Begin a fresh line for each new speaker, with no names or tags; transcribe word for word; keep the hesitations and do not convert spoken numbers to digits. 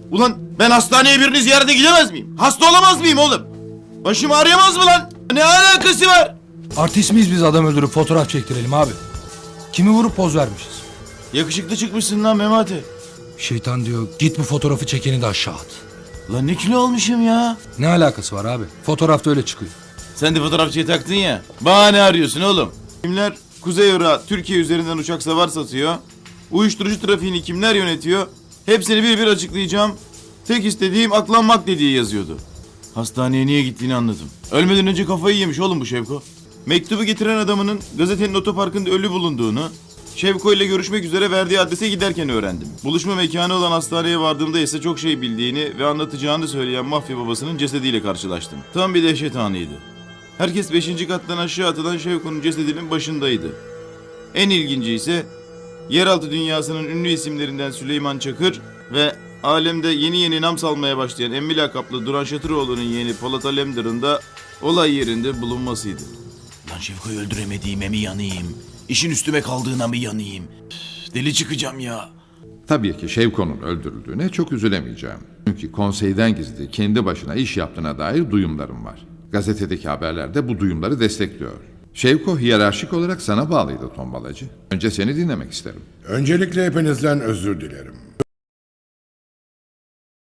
Ulan ben hastaneye birini ziyarete gidemez miyim? Hasta olamaz mıyım oğlum? Başım ağrıyamaz mı lan? Ne alakası var?
Artist miyiz biz adam öldürüp fotoğraf çektirelim abi? Kimi vurup poz vermişiz?
Yakışıklı çıkmışsın lan Memati.
Şeytan diyor git bu fotoğrafı çekeni de aşağı at.
Lan ne kilo almışım ya?
Ne alakası var abi? Fotoğrafta öyle çıkıyor.
Sen de fotoğrafçıya taktın ya. Bahane arıyorsun oğlum. Kimler Kuzey Irak'a Türkiye üzerinden uçak savar satıyor? Uyuşturucu trafiğini kimler yönetiyor? Hepsini bir bir açıklayacağım. Tek istediğim aklanmak dediği yazıyordu. Hastaneye niye gittiğini anladım. Ölmeden önce kafayı yemiş oğlum bu Şevko. Mektubu getiren adamının gazetenin otoparkında ölü bulunduğunu, Şevko ile görüşmek üzere verdiği adrese giderken öğrendim. Buluşma mekanı olan hastaneye vardığımda ise çok şey bildiğini ve anlatacağını söyleyen mafya babasının cesediyle karşılaştım. Tam bir dehşet anıydı. Herkes beşinci kattan aşağı atılan Şevko'nun cesedinin başındaydı. En ilginci ise yeraltı dünyasının ünlü isimlerinden Süleyman Çakır ve alemde yeni yeni nam salmaya başlayan emmi lakaplı Duran Şatıroğlu'nun yeğeni Polat Alemdar'ın da olay yerinde bulunmasıydı. Lan Şevko'yu öldüremediğime mi yanayım? İşin üstüme kaldığına mı yanayım? Üf, deli çıkacağım ya.
Tabii ki Şevko'nun öldürüldüğüne çok üzülemeyeceğim. Çünkü konseyden gizli kendi başına iş yaptığına dair duyumlarım var. Gazetedeki haberler de bu duyumları destekliyor. Şevko hiyerarşik olarak sana bağlıydı Tombalacı. Önce seni dinlemek isterim.
Öncelikle hepinizden özür dilerim.